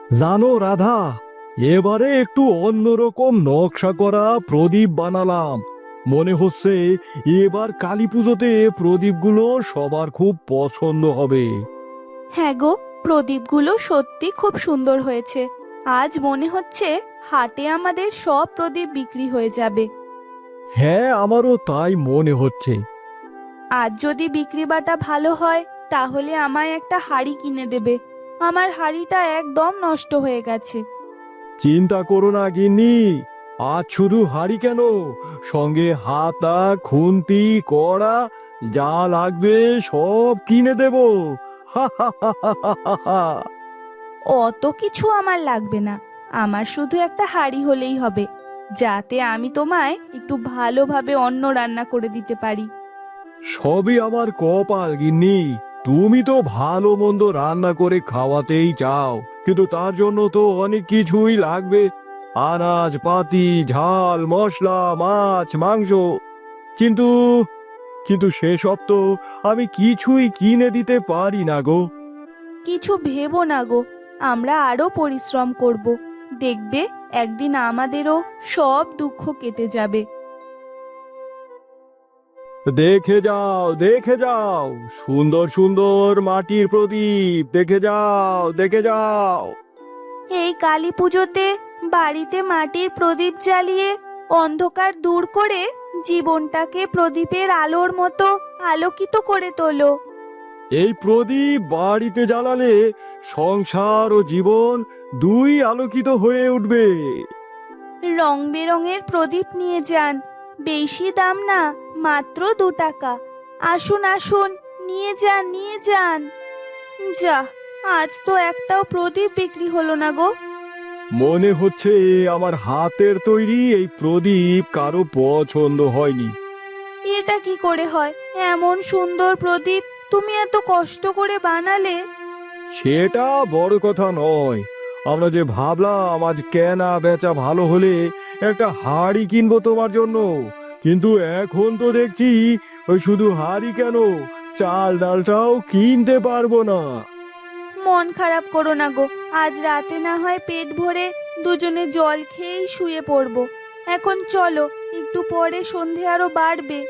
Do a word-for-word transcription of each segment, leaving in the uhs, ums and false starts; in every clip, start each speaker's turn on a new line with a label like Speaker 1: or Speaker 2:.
Speaker 1: জানো রাধা, এবারে একটু অন্যরকম নকশা করা প্রদীপ বানালাম। মনে হচ্ছে এবার কালী পুজোতে প্রদীপগুলো সবার খুব পছন্দ হবে।
Speaker 2: হ্যাঁ গো, প্রদীপগুলো সত্যি খুব সুন্দর হয়েছে। আজ মনে হচ্ছে হাটে আমাদের সব প্রদীপ বিক্রি হয়ে যাবে।
Speaker 1: হ্যাঁ, আমারও তাই মনে হচ্ছে।
Speaker 2: আজ যদি বিক্রি বাটা ভালো হয় তাহলে আমায় একটা হাঁড়ি কিনে দেবে। আমার হাঁড়িটা একদম নষ্ট হয়ে গেছে।
Speaker 1: চিন্তা করো না গিন্নি, আজ শুধু হাঁড়ি কেন, সঙ্গে হাতা, খুন্তি, কড়া, যা লাগবে সব কিনে দেবো। হা হা হা হা হা হা।
Speaker 2: অত কিছু আমার লাগবে না, আমার শুধু একটা হাঁড়ি হলেই হবে, যাতে আমি তোমায় একটু ভালোভাবে অন্ন রান্না করে দিতে পারি।
Speaker 1: সবই আমার কপাল গিন্নি। তুমি তো ভালো মন্দ রান্না করে খাওয়াতেই চাও, কিন্তু তার জন্য তো অনেক কিছুই লাগবে। আনাজ পাতি, ঝাল মশলা, মাছ মাংস। কিন্তু কিন্তু সেসব তো আমি কিছুই কিনে দিতে পারি না গো।
Speaker 2: কিছু ভেবো না গো, আমরা আরো পরিশ্রম করব। দেখবে একদিন আমাদেরও সব দুঃখ কেটে যাবে।
Speaker 1: দেখে যাও, দেখে যাও, সুন্দর সুন্দর মাটির প্রদীপ দেখে যাও, দেখে যাও।
Speaker 2: এই কালী পুজোতে বাড়িতে মাটির প্রদীপ জ্বালিয়ে অন্ধকার দূর করে জীবনটাকে প্রদীপের আলোর মতো আলোকিত করে তোলো।
Speaker 1: এই প্রদীপ বাড়িতে জ্বালালে সংসার ও জীবন দুই আলোকিত হয়ে উঠবে।
Speaker 2: রং বেরঙের প্রদীপ নিয়ে যান, বেশি দাম না, মাত্র দু টাকা। আসুন আসুন, নিয়ে যান নিয়ে যান। যা, আজ তো একটাও প্রদীপ বিক্রি হলো না গো।
Speaker 1: মনে হচ্ছে আমার হাতের তৈরি এই প্রদীপ কারো পছন্দ হয়নি।
Speaker 2: এটা কি করে হয়? এমন সুন্দর প্রদীপ তুমি এত কষ্ট করে বানালে।
Speaker 1: সেটা বড় কথা নয়, আমরা যে ভাবলাম আজ কেনা বেচা ভালো হলে একটা হাড়ি কিনবো তোমার জন্য, কিন্তু এখন তো দেখছি ওই শুধু হাড়ি কেন, চাল ডালটাও কিনতে পারবো না।
Speaker 2: মন খারাপ করো না গো, আজ রাতে না হয় পেট ভরে দুজনে জল খেয়েই শুয়ে পড়বো। এখন চলো, একটু পরে সন্ধে আরো বাড়বে।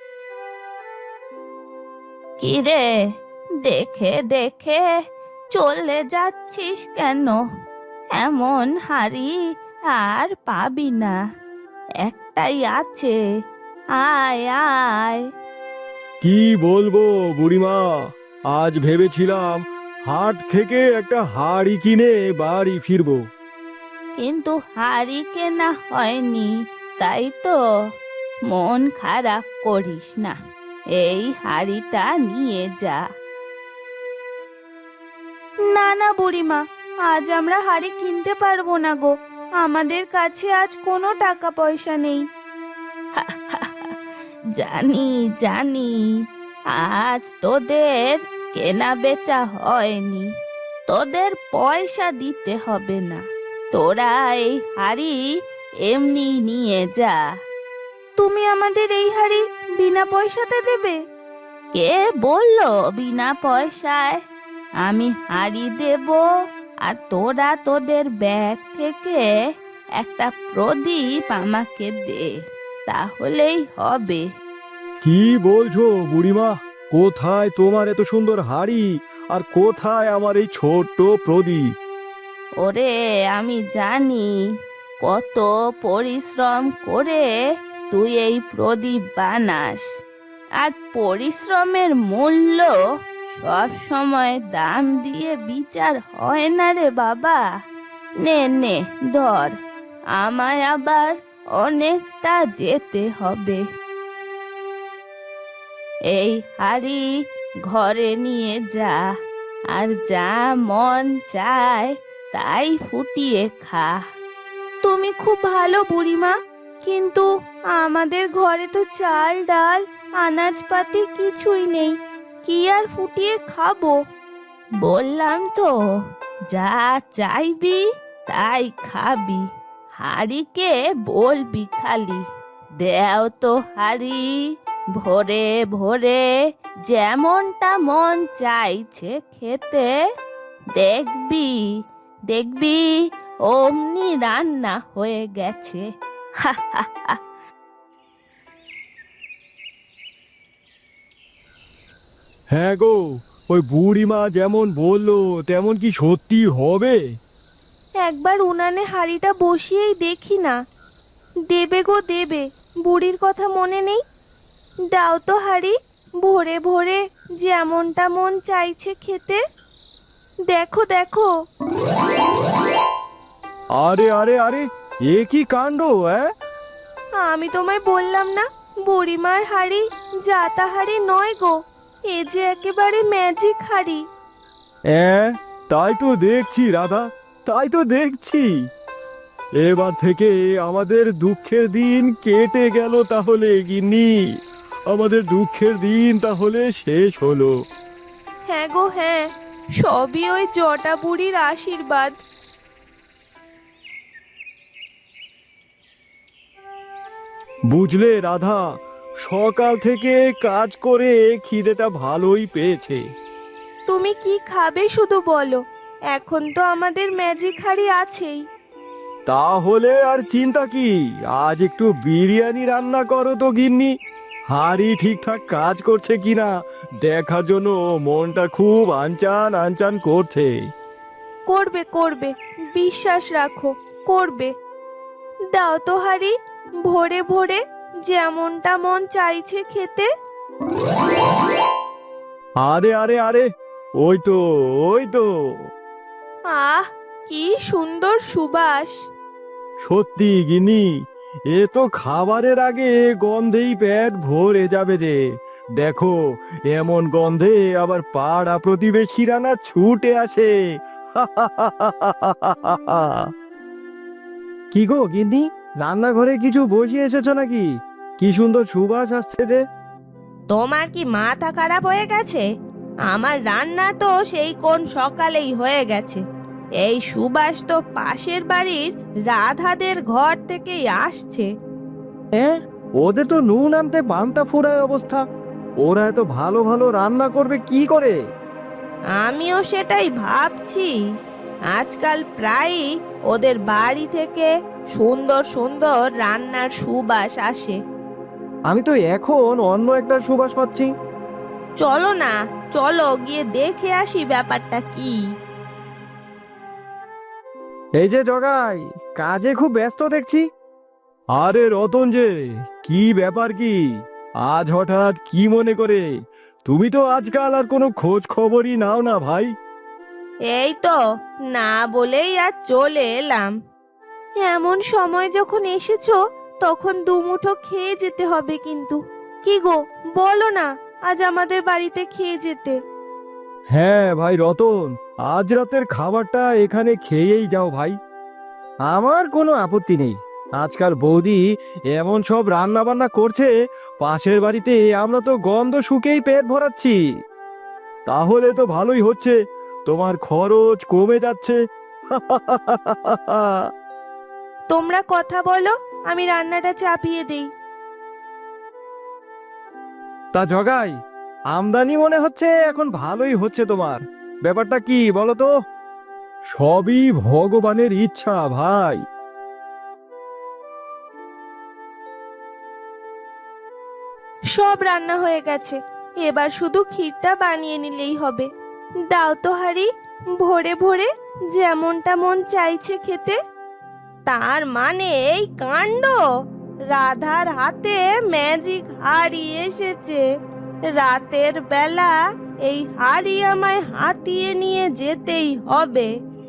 Speaker 2: কিরে, দেখে দেখে চলে যাচ্ছিস কেন? এমন হাড়ি আর পাবি না, একটাই আছে, আয় আয়।
Speaker 1: কি বলবো বুড়িমা, আজ ভেবেছিলাম হাট থেকে একটা হাড়ি কিনে বাড়ি ফিরবো।
Speaker 2: কিন্তু হাড়ি কেনা হয়নি, তাই তো? মন খারাপ করিস না, এই হাড়িটা নিয়ে যা। না না বুড়িমা, আজ আমরা হাড়ি কিনতে পারবো না গো, আমাদের কাছে আজ কোনো টাকা পয়সা নেই। জানি জানি, আজ তোদের কেনা বেচা হয়নি, তোদের পয়সা দিতে হবে না, তোরা এই হাড়ি এমনি নিয়ে যা। তুমি আমাদের এই হাড়ি বিনা পয়সাতে দেবে? কে বললো বিনা পয়সায়? আমি হাড়ি দেব, আর তোরা তোদের ব্যাগ থেকে একটা প্রদীপ আমাকে দে, তাহলেই হবে।
Speaker 1: কি বলছো বুড়িমা? কোথায় তোমার এত সুন্দর হাড়ি, আর কোথায় আমার এই ছোট্ট প্রদীপ?
Speaker 2: ওরে, আমি জানি কত পরিশ্রম করে তুই এই প্রদীপ বানাস, আর পরিশ্রমের মূল্য সব সময় দাম দিয়ে বিচার হয় না রে বাবা। নে নে ধর, আমায় আবার অনেকটা যেতে হবে। এই হাড়ি ঘরে নিয়ে যা, আর যা মন চায় তাই ফুটিয়ে খা। তুমি খুব ভালো বুড়িমা, কিন্তু আমাদের ঘরে তো চাল ডাল আনাজপাতি কিছুই নেই, কি আর ফুটিয়ে খাবো? বললাম তো, যা চাইবি তাই খাবি, হাড়িকে বলবি খালি, দেও তো হাড়ি, ভোরে ভোরে যেমনটা মন চাইছে খেতে, দেখবি দেখবি অমনি রান্না হয়ে গেছে। হা হা হা।
Speaker 1: হ্যাঁ গো, ওই বুড়িমা যেমন বললো তেমন কি সত্যি হবে?
Speaker 2: একবার উনানে হাঁড়িটা বসিয়েই দেখি না। দেবে গো দেবে, বুড়ির কথা মনে নেই? দাও তো হাঁড়ি, ভোরে ভোরে যেমনটা মন চাইছে খেতে। দেখো দেখো।
Speaker 1: আরে আরে আরে, এ কি কাণ্ড! হ্যাঁ,
Speaker 2: আমি তোমায় বললাম না, বুড়িমার হাঁড়ি জাতা হাঁড়ি নয় গো, এ যে একেবারে ম্যাজিক হাঁড়ি।
Speaker 1: হ্যাঁ, তাই তো দেখছি রাধা, তাই তো দেখছি। এবার থেকে আমাদের দুঃখের দিন কেটে গেল তাহলে গিন্নি, আমাদের দুঃখের দিন তাহলে শেষ হলো।
Speaker 2: হ্যাঁ গো হ্যাঁ, সবই ওই জটা বুড়ির আশীর্বাদ।
Speaker 1: বুঝলে রাধা, সকাল থেকে কাজ করে খিদেটা ভালোই পেয়েছে।
Speaker 2: তুমি কি খাবে শুধু বলো, এখন তো আমাদের ম্যাজিক হাঁড়ি আছেই।
Speaker 1: তাহলে আর চিন্তা কি, আজ একটু বিরিয়ানি রান্না করো তো গিন্নি। হাঁড়ি ঠিকঠাক কাজ করছে কিনা দেখার জন্য মনটা খুব আনচান আনচান করছে।
Speaker 2: করবে করবে, বিশ্বাস রাখো, করবে। দাও তো হাঁড়ি, ভোরে ভোরে যেমনটা মন চাইছে খেতে।
Speaker 1: আরে আরে আরে, ওই তো, ওই তো।
Speaker 2: আহ, কি সুন্দর সুবাস!
Speaker 1: সত্যি গিন্নি, এ তো খাবারের আগে গন্ধেই পেট ভরে যাবে যে। দেখো, এমন গন্ধে আবার পাড়া প্রতিবেশীরা না ছুটে আসে। কি গো গিন্নি, রান্নাঘরে কিছু বসিয়ে এসেছো নাকি? কি সুন্দর সুবাস আসছে যে।
Speaker 2: তোমার কি মাথা খারাপ হয়ে গেছে? আমার রান্না তো সেই কোন সকালেই হয়ে গেছে। এই সুবাস তো পাশের বাড়ির রাধাদের ঘর থেকেই আসছে।
Speaker 1: হ্যাঁ, ওদের তো নুন আনতে পান্তা ফুরায় অবস্থা। ওরা এত ভালো ভালো রান্না করবে কি করে?
Speaker 2: আমিও সেটাই ভাবছি। আজকাল প্রায়ই ওদের বাড়ি থেকে সুন্দর সুন্দর রান্নার সুবাস আসে।
Speaker 1: আমি তো এখন অন্য একটা সুবাস পাচ্ছি।
Speaker 2: চলো না, চলো গিয়ে দেখে আসি ব্যাপারটা কি।
Speaker 1: এই যে জগাই, কাজে খুব ব্যস্ত দেখছি। আরে রতন যে, কি ব্যাপার কি? আজ হঠাৎ কি মনে করে? তুমি তো আজকাল আর কোনো খোঁজ খবরই নাও না ভাই।
Speaker 2: এই তো না বলেই আর চলে এলাম। এমন সময় যখন এসেছো তখন দুমুঠো খেয়ে যেতে হবে কিন্তু। কি গো, বলো না আজ আমাদের বাড়িতে খেয়ে যেতে।
Speaker 1: হ্যাঁ ভাই রতন, আজ রাতের খাবারটা এখানে খেয়েই যাও ভাই। আমার কোনো আপত্তি নেই। আজকাল বৌদি এমন সব রান্না বান্না করছে, পাশের বাড়িতে আমরা তো গন্ধ শুকেই পেট ভরাচ্ছি। তাহলে তো ভালোই হচ্ছে, তোমার খরচ কমে যাচ্ছে।
Speaker 2: তোমরা কথা বলো, আমি রান্নাটা চাপিয়ে দেই।
Speaker 1: তা জগাই, আমদানি মনে হচ্ছে এখন ভালোই হচ্ছে তোমার। ব্যাপারটা কি বলো তো? সবই ভগবানের ইচ্ছা ভাই।
Speaker 2: সব রান্না হয়ে গেছে, এবার শুধু ক্ষীরটা বানিয়ে নিলেই হবে। দাও তো হাঁড়ি, ভোরে ভোরে যেমনটা মন চাইছে খেতে। তার মানে এই কাণ্ড, রাধার হাতে ম্যাজিক হাঁড়ি এসেছে। রাতের বেলা এই হাঁড়ি আমায় হাতিয়ে নিয়ে যেতেই হবে।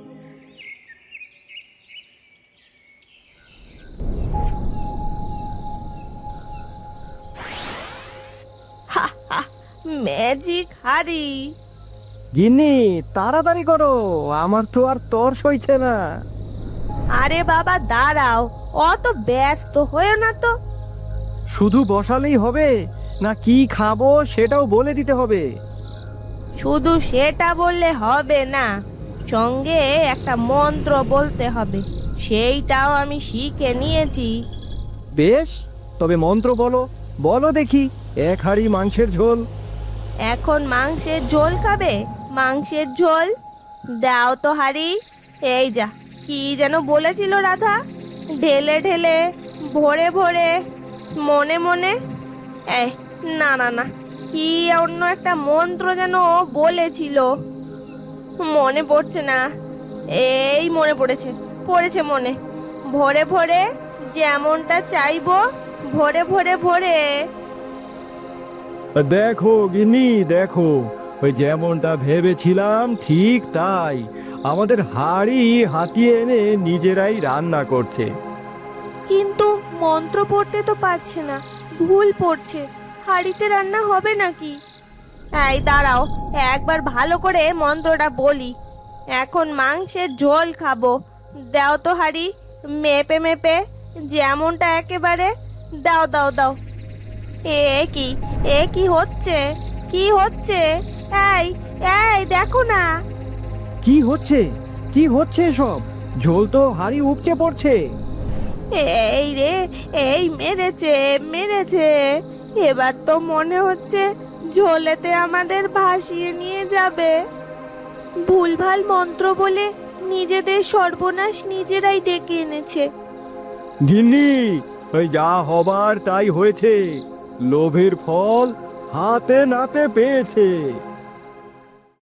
Speaker 2: হা হা, ম্যাজিক হাঁড়ি!
Speaker 1: গিন্নি তাড়াতাড়ি করো, আমার তো আর তর সইছে না।
Speaker 2: আরে বাবা দাঁড়াও, অত ব্যস্ত হয়েও না তো।
Speaker 1: শুধু বসালেই হবে না, কি খাবো সেটাও বলে দিতে হবে?
Speaker 2: শুধু সেটা বললে হবে না, সঙ্গে একটা মন্ত্র বলতে হবে, সেইটাও আমি শিখে নিয়েছি।
Speaker 1: বেশ, তবে মন্ত্র বলো, বলো দেখি। এক হাঁড়ি মাংসের ঝোল।
Speaker 2: এখন মাংসের ঝোল খাবে? মাংসের ঝোল দাও তো হাঁড়ি, এই যা, কি যেন বলেছিল রাধা? ঢেলে ঢেলে, ভরে ভরে, মনে মনে। এই, না না না, কি অন্য একটা মন্ত্র যেন বলেছিল, মনে পড়ছে না। এই মনে পড়েছে, পড়েছে মনে। ভরে ভরে, যেমনটা চাইবো, ভরে ভরে ভরে।
Speaker 1: দেখো গিন্নি, দেখো, ওই যেমনটা ভেবেছিলাম ঠিক তাই। আমাদের হাঁড়ি হাতিয়ে এনে নিজেরাই রান্না করছে।
Speaker 2: কিন্তু মন্ত্র পড়তে তো পারছে না, ভুল পড়ছে। হাঁড়িতে রান্না হবে নাকি? এই দাঁড়াও, একবার ভালো করে মন্ত্রটা বলি। এখন মাংসের ঝোল খাবো, দাও তো হাঁড়ি, মেপে মেপে, যেমনটা একেবারে। দাও দাও দাও। এ কি, এ কি হচ্ছে, কি হচ্ছে? এই, এই দেখো না।
Speaker 3: কি হচ্ছে, কি হচ্ছে সব? ঝোল তো হাড়ি উপচে পড়ছে।
Speaker 2: এই রে, এই মেরেছে, মেরেছে। এবার তো মনে হচ্ছে ঝোলেতে আমাদের ভাসিয়ে নিয়ে যাবে। ভুলভাল মন্ত্র বলে নিজেদের সর্বনাশ নিজেরাই ডেকে এনেছে।
Speaker 1: গিন্নি, ওই যা হবার তাই হয়েছে। লোভের ফল হাতে নাতে পেয়েছে।